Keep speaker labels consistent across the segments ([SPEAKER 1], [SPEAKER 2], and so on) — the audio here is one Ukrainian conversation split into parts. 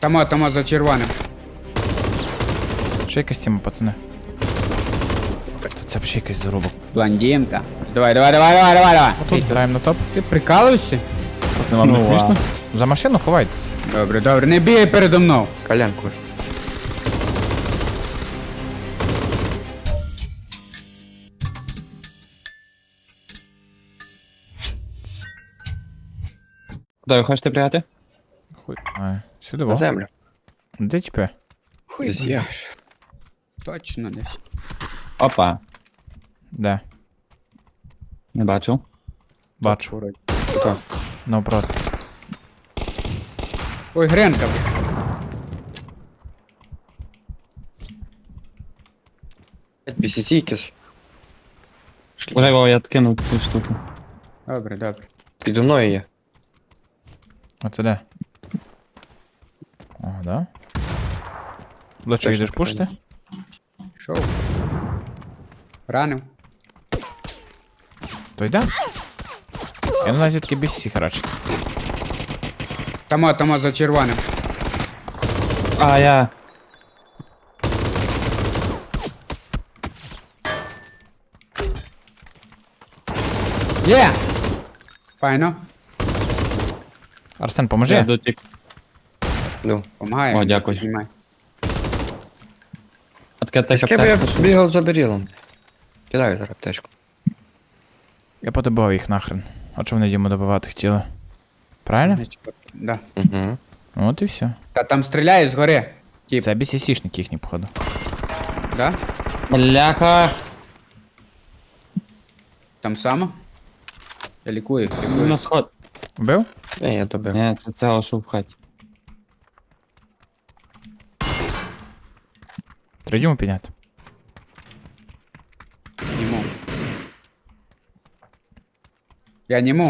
[SPEAKER 1] Тома за червоним.
[SPEAKER 2] Ще якась тема, пацани. Та це б ще якийсь зарубок.
[SPEAKER 1] Блондинка. Давай.
[SPEAKER 2] Отут граємо на топ.
[SPEAKER 1] Ти прикалуєшся?
[SPEAKER 2] Пацани, вам не
[SPEAKER 3] Ну,
[SPEAKER 2] смішно? За машину ховайтесь.
[SPEAKER 1] Добре, не бігай передо мною.
[SPEAKER 3] Колянку.
[SPEAKER 4] Куди ви хочете пригати?
[SPEAKER 2] Хуй. Сюди,
[SPEAKER 3] На
[SPEAKER 2] во.
[SPEAKER 3] землю.
[SPEAKER 2] Де тепер?
[SPEAKER 1] Хуй,
[SPEAKER 3] Десь я.
[SPEAKER 1] точно десь.
[SPEAKER 4] Опа,
[SPEAKER 2] Де?
[SPEAKER 4] не бачив.
[SPEAKER 2] Бачу.
[SPEAKER 3] Хто?
[SPEAKER 2] Навпроти.
[SPEAKER 1] Ой, Гренка.
[SPEAKER 3] BCC якийсь.
[SPEAKER 4] Уже його я кинув цю штуку.
[SPEAKER 1] Добре.
[SPEAKER 3] Підо мною є.
[SPEAKER 2] А це де? О, да? До чого
[SPEAKER 3] Точно
[SPEAKER 2] йдеш
[SPEAKER 3] так.
[SPEAKER 2] пушити?
[SPEAKER 1] Шоу. Ранив.
[SPEAKER 2] То йде? Я не знаю, звідки без всіх радше.
[SPEAKER 1] Тома за червоним.
[SPEAKER 4] А, я.
[SPEAKER 1] Є! Файно.
[SPEAKER 2] Арсен, поможи.
[SPEAKER 4] Я дотік.
[SPEAKER 3] Ну.
[SPEAKER 1] Помагає.
[SPEAKER 4] О, дякую.
[SPEAKER 1] Знімай.
[SPEAKER 4] А таке
[SPEAKER 3] З
[SPEAKER 4] так
[SPEAKER 3] ким я
[SPEAKER 4] аптека.
[SPEAKER 3] бігав за берілом. Кидаю зараз аптечку.
[SPEAKER 2] Я подобав їх нахрен. А чого вони Діму добивати хотіли? Правильно?
[SPEAKER 1] Да.
[SPEAKER 3] Угу.
[SPEAKER 2] От і все.
[SPEAKER 1] Та там стріляє згори. Тіп,
[SPEAKER 2] Це BCC-шники їхні, походу.
[SPEAKER 1] да?
[SPEAKER 4] Бляха.
[SPEAKER 1] Там само? Я лікую.
[SPEAKER 4] На сход.
[SPEAKER 2] Вбив?
[SPEAKER 3] Не, я добив.
[SPEAKER 4] Ні, це цього що в хаті.
[SPEAKER 2] Треба Діму підняти.
[SPEAKER 1] Німу. Я німу.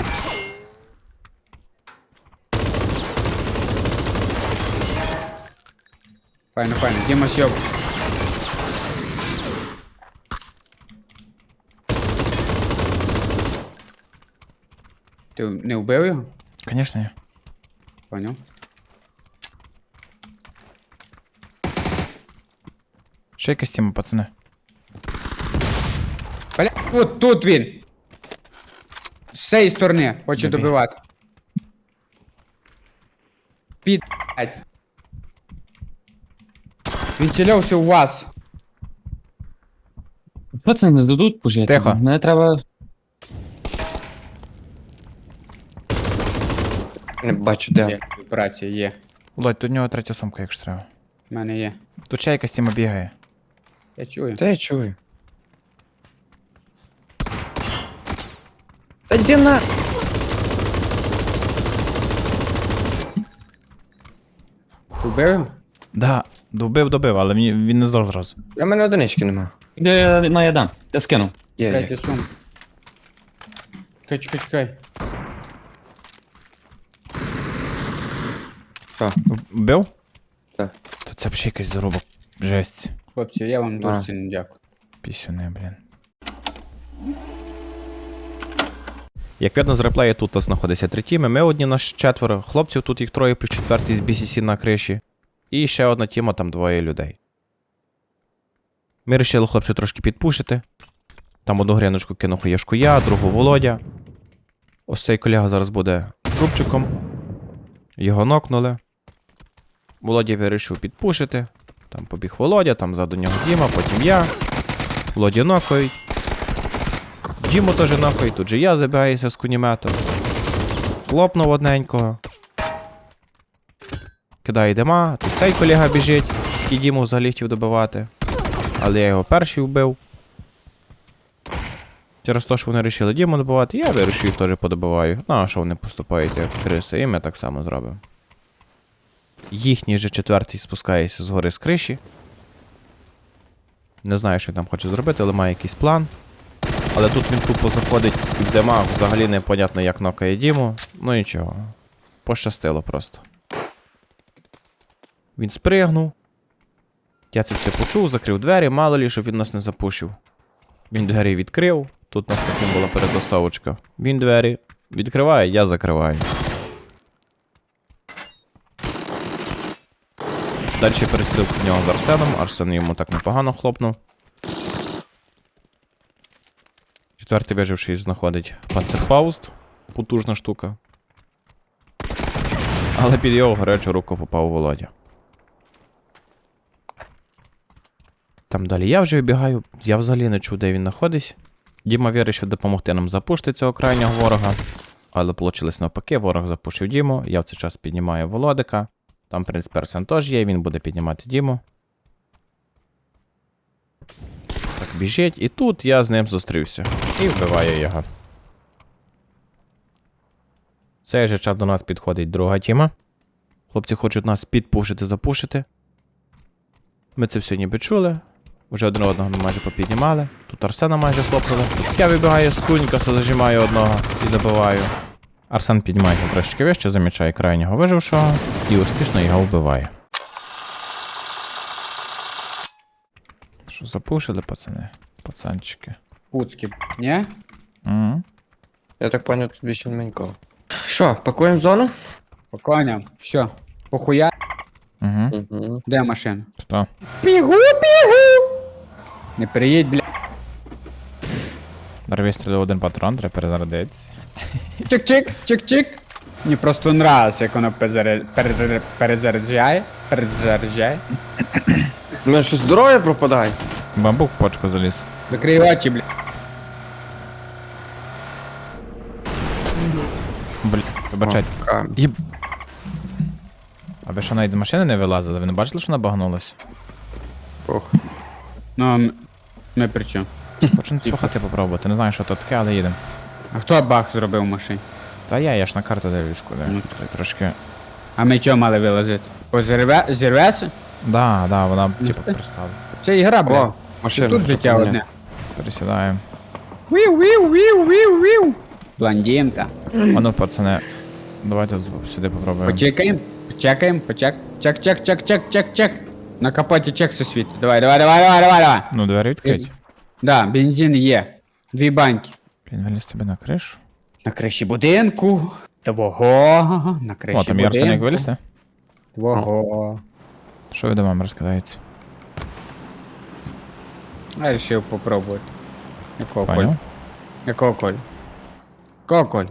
[SPEAKER 1] Файно. Діма сьоб. Ти не вбив його?
[SPEAKER 2] Звісно, я.
[SPEAKER 1] Поняв.
[SPEAKER 2] Ще якась тема, пацани.
[SPEAKER 1] Бля, тут він. З цієї сторони хоче
[SPEAKER 2] Добій.
[SPEAKER 1] добивати. Блядь. Він цілявся у вас.
[SPEAKER 4] Пацани не дадуть пожити.
[SPEAKER 2] Тихо.
[SPEAKER 4] Мене треба.
[SPEAKER 3] Не бачу, де.
[SPEAKER 1] Є, операція є.
[SPEAKER 2] Володь, тут у нього третя сумка, якщо треба.
[SPEAKER 1] У мене є.
[SPEAKER 2] Тут ще якась тема бігає.
[SPEAKER 1] Я чую.
[SPEAKER 3] Та я чую. Та йди на!
[SPEAKER 1] Ти вбив його?
[SPEAKER 2] Да, добив, але він не здох зразу.
[SPEAKER 3] У мене одинички нема.
[SPEAKER 4] Я дам. Я скину.
[SPEAKER 3] Є.
[SPEAKER 1] Третя сумка. Чекай.
[SPEAKER 3] Що?
[SPEAKER 2] Вбив?
[SPEAKER 3] Так.
[SPEAKER 2] Та це б ще якийсь зарубок. Жесть.
[SPEAKER 1] Хлопці, я вам дуже
[SPEAKER 3] А.
[SPEAKER 1] сильно дякую.
[SPEAKER 2] Пісюни, блін. Як видно з реплею, тут знаходиться 3 тіми. Ми одні, нас 4. Хлопців тут їх 3 плюс 4 з BCC на криші. І ще одна тіма, там 2 людей. Ми вирішили хлопців трошки підпушити. Там одну гріночку кинув Яшку я, другу Володя. Ось цей колега зараз буде трубчиком. Його нокнули. Володя вирішив підпушити. Там побіг Володя, там ззаду нього Діма, потім я. Володя нокають. Діму теж нокають, тут же я забігаюся з кунімета. Хлопнув одненького. Кидає дима, тут цей колега біжить, і Діму взагалі хотів добивати. Але я його перший вбив. Через те, що вони вирішили Діму добивати, я вирішив їх теж подобиваю. Ну, а що вони поступають як криси, і ми так само зробимо. Їхній же 4-й спускається згори з криші. Не знаю, що він там хоче зробити, але має якийсь план. Але тут він тупо заходить в демах, взагалі непонятно як нокає Діму. Ну нічого. Пощастило просто. Він спригнув. Я це все почув, закрив двері, мало лі, щоб він нас не запушив. Він двері відкрив. Тут у нас таким була перетасовочка. Він двері відкриває, я закриваю. Далі перестрілку в нього з Арсеном. Арсен йому так непогано хлопнув. Четвертий виживший знаходить Панцерфауст. Потужна штука. Але під його гарячу руку попав Володя. Там далі я вже вибігаю, я взагалі не чув, де він знаходиться. Діма вирішив допомогти нам запушити цього крайнього ворога. Але вийшло навпаки, ворог запушив Діму, я в цей час піднімаю Володика. Там, в принципі, Арсен теж є, він буде піднімати Діму. Так, біжить, і тут я з ним зустрівся. І вбиваю його. В цей же час до нас підходить друга тіма. Хлопці хочуть нас підпушити, запушити. Ми це все ніби чули. Уже один одного ми майже попіднімали. Тут Арсена майже хлопнули. Тут я вибігаю з кунькаса, зажимаю одного і добиваю. Арсен піднімається трошечки вище, замічає крайнього вижившого і успішно його вбиває. Що, запушили, пацани? Пацанчики.
[SPEAKER 1] Пуцки, ні?
[SPEAKER 2] Угу.
[SPEAKER 3] Я так понял, тут більше маленького. Що, пакуємо зону?
[SPEAKER 1] По коням. Все. Похуя.
[SPEAKER 2] Угу.
[SPEAKER 3] Угу.
[SPEAKER 1] Де машина?
[SPEAKER 2] Хто?
[SPEAKER 1] Бігу! Не приїдь, бля.
[SPEAKER 2] Дарві стрілив один патрон, треба перезарядитися.
[SPEAKER 1] Чик-чик, чик-чик. Мені просто нравиться, як воно перезаряджає. Перезаряджає.
[SPEAKER 3] У мене що здоров'я пропадає?
[SPEAKER 2] Бамбук в почку заліз.
[SPEAKER 1] Закрий очі, бля.
[SPEAKER 2] Блін, вибачайте.
[SPEAKER 3] Камінь.
[SPEAKER 2] Їб... А ви що навіть з машини не вилазили? Ви не бачили, що вона багнулась?
[SPEAKER 3] Ох.
[SPEAKER 1] Ну, ми при чому?
[SPEAKER 2] Хочу слухати попробувати. Не знаю, що то таке, але їдемо.
[SPEAKER 1] А хто бах зробив в машині?
[SPEAKER 2] Та я ж на карту дивлюсь куди.
[SPEAKER 1] Ну,
[SPEAKER 2] Тут трошки.
[SPEAKER 1] А ми чого мали вилазити? Зірвеся?
[SPEAKER 2] Да, вона типу пристала.
[SPEAKER 1] Це ігра, бля.
[SPEAKER 3] О, машина.
[SPEAKER 1] Тут життя
[SPEAKER 3] що
[SPEAKER 1] одне.
[SPEAKER 2] Пересідаємо.
[SPEAKER 1] Віу. Блондинка.
[SPEAKER 2] А ну, пацани, давайте сюди попробуємо.
[SPEAKER 1] Почекаємо. Чек. На капоті чек все світить. Давай.
[SPEAKER 2] Ну, двері відкрить.
[SPEAKER 1] Да, бензин є. 2 банки.
[SPEAKER 2] Він виліз тебе на кришу.
[SPEAKER 1] На криші будинку. Твого. На криші
[SPEAKER 2] О, там
[SPEAKER 1] будинку.
[SPEAKER 2] є Арсен, як вилізти.
[SPEAKER 1] Твого.
[SPEAKER 2] Що ви до мами розкидається?
[SPEAKER 1] Я вирішив попробувати. Якого коль?
[SPEAKER 2] Поняв?
[SPEAKER 1] Якого коль? Якого коль?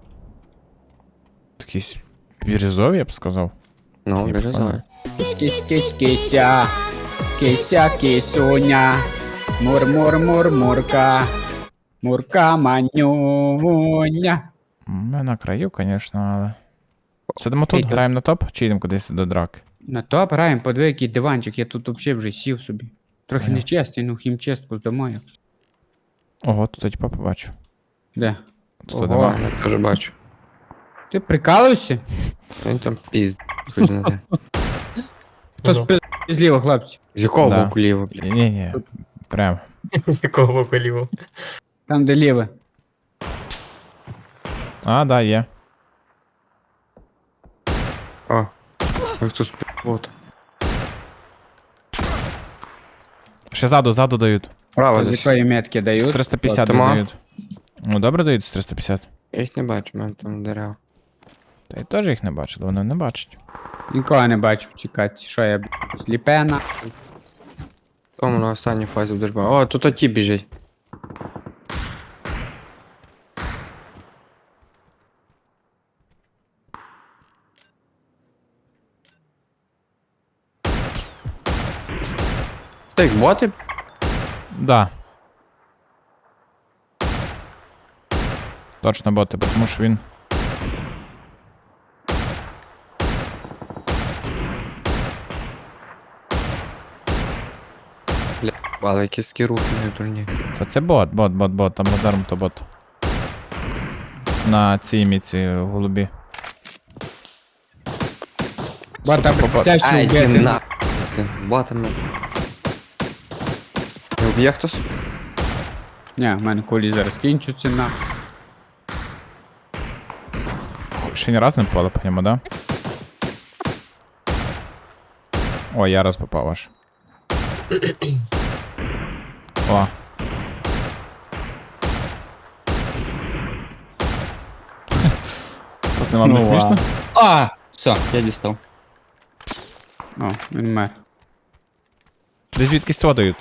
[SPEAKER 2] Такий бірюзовий, я б сказав.
[SPEAKER 3] Ну,
[SPEAKER 2] Ні,
[SPEAKER 3] березовий.
[SPEAKER 1] Кися. Кися, кисуня. Мурка. Мурка манюня.
[SPEAKER 2] Ми на краю, звісно, але. Сидимо тут, граємо на топ, чи йдемо кудись до драки?
[SPEAKER 1] На топ граємо, подиви, який диванчик, я тут взагалі вже сів собі. Трохи
[SPEAKER 2] Поняв.
[SPEAKER 1] нечесний, ну хімчистку здамо як.
[SPEAKER 2] Ого, тут типа побачу.
[SPEAKER 1] Де?
[SPEAKER 2] Тут
[SPEAKER 1] Ого.
[SPEAKER 2] нема.
[SPEAKER 3] Я теж бачу.
[SPEAKER 1] Ти прикалуєшся?
[SPEAKER 3] Він там пізд. Хоч не де.
[SPEAKER 1] Хто спи зліва, хлопці?
[SPEAKER 3] З якого
[SPEAKER 2] Да.
[SPEAKER 3] боку ліво, бля?
[SPEAKER 2] Ні. Прям.
[SPEAKER 5] З якого боку ліво?
[SPEAKER 1] Там, де ліве.
[SPEAKER 2] А, да, є.
[SPEAKER 3] О. Як тут співбот.
[SPEAKER 2] Ще ззаду дають.
[SPEAKER 3] Право
[SPEAKER 1] З
[SPEAKER 3] десь.
[SPEAKER 1] якої метки
[SPEAKER 2] З
[SPEAKER 1] дають?
[SPEAKER 2] 350
[SPEAKER 3] Тома?
[SPEAKER 2] дають. Ну, добре дають з 350.
[SPEAKER 3] Я їх не бачу, в мене там дерева.
[SPEAKER 2] Та й теж їх не бачили, вони не бачать.
[SPEAKER 1] Нікого не бачу, чекати. Що я, сліпена?
[SPEAKER 3] Тому на останній фазі вдержба. О, тут оті біжить. Це їх боти?
[SPEAKER 2] Да. Точно боти, тому що він.
[SPEAKER 3] Але якісь такі рухи не дурні.
[SPEAKER 2] Це бот, там модерм то бот. На цій міці голубі.
[SPEAKER 1] Бота теж
[SPEAKER 3] Ай,
[SPEAKER 1] вбити.
[SPEAKER 3] йди нахуй з тим ботами. Не вб'є хтось?
[SPEAKER 1] Ні, в мене кулі зараз кінчуться на.
[SPEAKER 2] Ще ні раз не попали по ньому, да? Ой, я раз попав аж. О. Просто вам не
[SPEAKER 4] Ну,
[SPEAKER 2] смішно?
[SPEAKER 4] А, все, я дістав.
[SPEAKER 1] О, він мер.
[SPEAKER 2] Десь звідкись цього дають.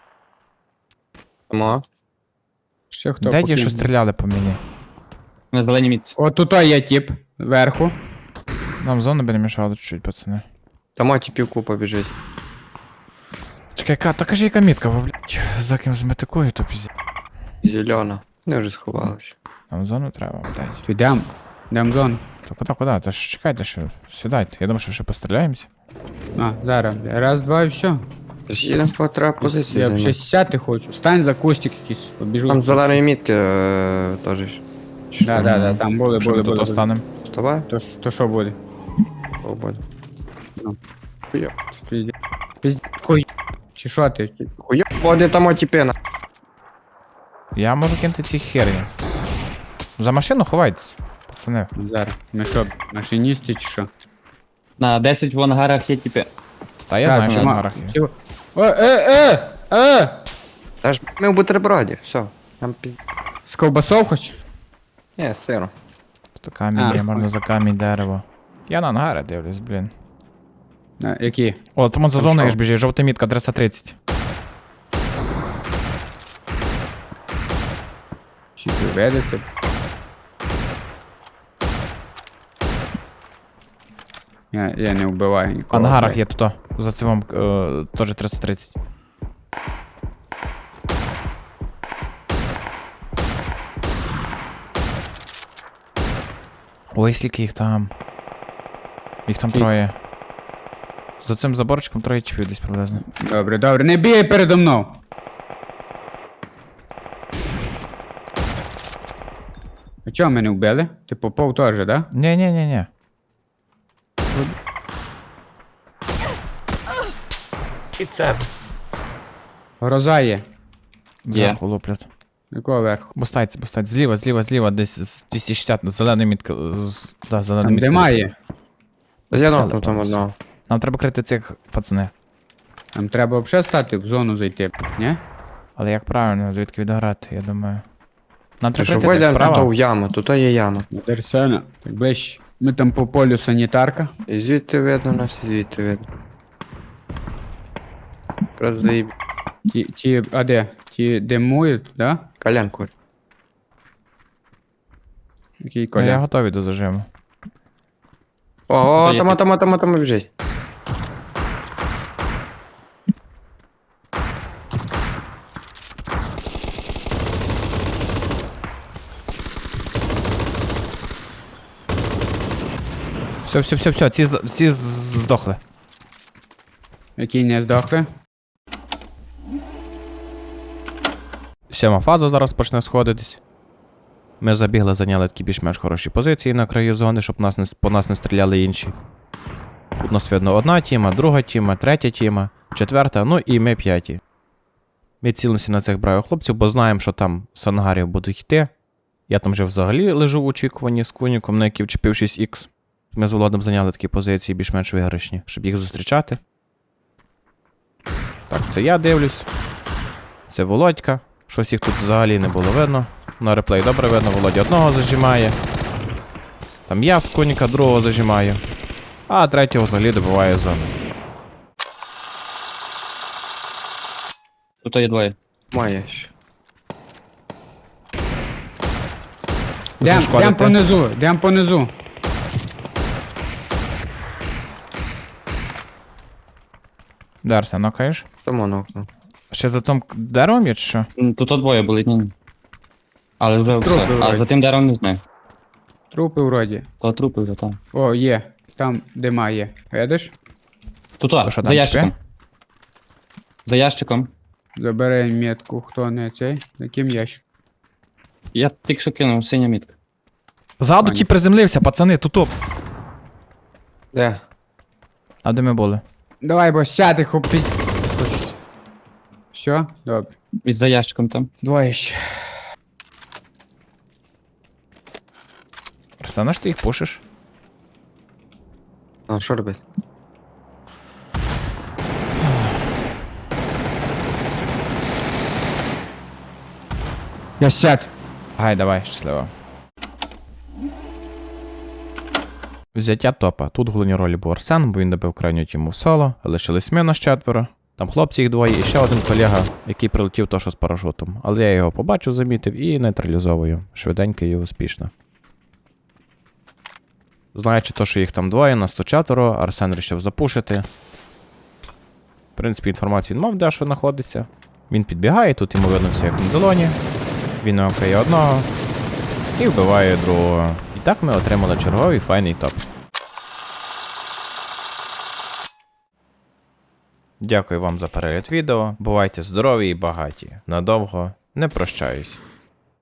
[SPEAKER 3] Тому.
[SPEAKER 1] Ще хто
[SPEAKER 2] Де ті,
[SPEAKER 1] покинув?
[SPEAKER 2] що стріляли по мені?
[SPEAKER 4] На зеленій мітці.
[SPEAKER 1] О, тут є тип. Вверху.
[SPEAKER 2] Нам зону би не мішало чуть-чуть, пацани.
[SPEAKER 3] Тому тіпівку побіжить.
[SPEAKER 2] Чекай, та кажи, яка мітка, бо, блядь, за ким зметикую, то пізі.
[SPEAKER 3] Зелена. Вони вже сховалися.
[SPEAKER 2] Нам зону треба, блядь.
[SPEAKER 1] То йдем. Йдем в зону.
[SPEAKER 2] Та куди? Та ж чекайте, що сідайте. Я думаю, що ще постріляємося.
[SPEAKER 1] А, зараз. бля. Раз, два і все.
[SPEAKER 3] Тож їдемо по треба позицію
[SPEAKER 1] Я
[SPEAKER 3] займати.
[SPEAKER 1] б ще сяти хочу. Стань за кустик якийсь. Побіжу.
[SPEAKER 3] Там зеленої мітки теж.
[SPEAKER 1] Да, там були,
[SPEAKER 2] Що ми
[SPEAKER 1] були,
[SPEAKER 2] тут
[SPEAKER 1] були.
[SPEAKER 2] останемо?
[SPEAKER 3] Вставай,
[SPEAKER 1] То що буде?
[SPEAKER 3] побудь.
[SPEAKER 1] Хуй. Чи що ти?
[SPEAKER 3] Хуя, води там тіпина.
[SPEAKER 2] Я можу кинути ці херні. За машину ховайтесь, пацани.
[SPEAKER 1] Зараз. Ми що, машиністи чи що?
[SPEAKER 4] На 10 в ангарах є типи.
[SPEAKER 2] Та я
[SPEAKER 1] Так,
[SPEAKER 2] знаю, що
[SPEAKER 1] нема.
[SPEAKER 2] на горах є.
[SPEAKER 1] Всього-
[SPEAKER 3] Та ж ми в бутерброді, все. Там піз...
[SPEAKER 1] З ковбасов хоч?
[SPEAKER 3] Ні, з сиром.
[SPEAKER 2] То камінь
[SPEAKER 1] А,
[SPEAKER 2] є, можна
[SPEAKER 1] хуй.
[SPEAKER 2] за камінь дерево. Я на ангари дивлюсь, блін.
[SPEAKER 1] Які?
[SPEAKER 2] О, там за
[SPEAKER 1] Там
[SPEAKER 2] зоною
[SPEAKER 1] що?
[SPEAKER 2] ж біжить, жовта мітка 330.
[SPEAKER 1] Чи ти ведете? Я не вбиваю
[SPEAKER 2] В
[SPEAKER 1] нікого.
[SPEAKER 2] ангарах
[SPEAKER 1] блядь.
[SPEAKER 2] є тут, за цивом теж 330. Ой, скільки їх там. Їх там
[SPEAKER 1] Скільки?
[SPEAKER 2] троє. За цим заборчиком троє чіпів десь приблизно.
[SPEAKER 1] Добре, добре, не бігай передо мною. А чого мене вбили? Ти попов теж, да?
[SPEAKER 2] Ні.
[SPEAKER 5] І це.
[SPEAKER 1] Гроза є.
[SPEAKER 2] Зверху луплять.
[SPEAKER 1] Якого верху?
[SPEAKER 2] Бустайте. Зліва, десь з 260, зелена мітка. Да, зелена
[SPEAKER 1] Там
[SPEAKER 2] мітка.
[SPEAKER 1] де має.
[SPEAKER 3] З'єднав там одного.
[SPEAKER 2] Нам треба крити цих пацани.
[SPEAKER 1] Нам треба взагалі стати в зону зайти, ні?
[SPEAKER 2] Але як правильно, звідки відграти, я думаю. Нам
[SPEAKER 3] Ти
[SPEAKER 2] треба
[SPEAKER 3] що
[SPEAKER 2] крити цих
[SPEAKER 3] вийдемо там
[SPEAKER 2] справа.
[SPEAKER 3] в яму, тут є яма.
[SPEAKER 1] Дерсена, так ближче. Ми там по полю санітарка.
[SPEAKER 3] І звідти видно нас, і звідти видно. Просто заїб...
[SPEAKER 1] А де? Ті димують, да?
[SPEAKER 3] Коленку.
[SPEAKER 1] Який
[SPEAKER 2] Я
[SPEAKER 1] коля?
[SPEAKER 2] готовий до зажиму.
[SPEAKER 3] О,
[SPEAKER 4] є
[SPEAKER 3] там біжить.
[SPEAKER 2] Все, ці здохли.
[SPEAKER 1] Який не здохли?
[SPEAKER 2] 7 фаза зараз почне сходитись. Ми забігли, зайняли такі більш-менш хороші позиції на краю зони, щоб по нас не стріляли інші. Тут нас видно одна тіма, друга тіма, третя тіма, четверта, ну і ми п'яті. Ми цілимося на цих бравих хлопців, бо знаємо, що там з ангарів будуть йти. Я там вже взагалі лежу в очікуванні з куніком, на який вчепив 6х. Ми з Володом зайняли такі позиції більш-менш виграшні, щоб їх зустрічати. Так, це я дивлюсь. Це Володька. Щось їх тут взагалі не було видно. На реплей добре видно, Володя одного зажимає. Там я з коніка другого зажимаю. А третього взагалі добиває зону.
[SPEAKER 4] Тут є двоє.
[SPEAKER 3] Має ще.
[SPEAKER 1] Йдем понизу.
[SPEAKER 2] Дарся, нокаєш?
[SPEAKER 3] Тому нокнув.
[SPEAKER 2] Ще за тим деревом є чи що?
[SPEAKER 4] Тут двоє були, ні. Але вже
[SPEAKER 1] Трупи
[SPEAKER 4] все. А
[SPEAKER 1] вроді.
[SPEAKER 4] за тим деревом не знаю.
[SPEAKER 1] Трупи вроді.
[SPEAKER 4] То трупи вже там.
[SPEAKER 1] О, є. Там дима є. Видиш?
[SPEAKER 4] Тут,
[SPEAKER 2] що,
[SPEAKER 4] за
[SPEAKER 2] там
[SPEAKER 4] ящиком.
[SPEAKER 2] типи?
[SPEAKER 4] За ящиком.
[SPEAKER 1] Забери метку, хто не цей. Яким ящик?
[SPEAKER 4] Я тільки що кинув синя мітка.
[SPEAKER 2] Ззаду
[SPEAKER 1] Пані.
[SPEAKER 2] ті приземлився, пацани, тут.
[SPEAKER 3] Де?
[SPEAKER 2] А де ми були?
[SPEAKER 1] Давай, бо сяти хопі. Все? Добре.
[SPEAKER 4] І за ящиком там.
[SPEAKER 1] Двоє ще.
[SPEAKER 2] Арсена, ж ти їх пушиш?
[SPEAKER 3] А, що робити?
[SPEAKER 1] Я сяд.
[SPEAKER 2] Гай, давай, щасливо. Взяття топа. Тут в головній ролі був Арсен, бо він добив крайню тіму в соло, лишились ми нас 4. Там хлопці їх двоє і ще один колега, який прилетів то, що з парашутом. Але я його побачив, замітив і нейтралізовую. Швиденько і успішно. Знаючи то, що їх там двоє, нас то 4, Арсен вирішив запушити. В принципі, інформацію він мав, де що знаходиться. Він підбігає, тут йому видно все як на долоні. Він окає одного і вбиває другого. І так ми отримали черговий файний топ. Дякую вам за перегляд відео. Бувайте здорові і багаті. Надовго не прощаюсь.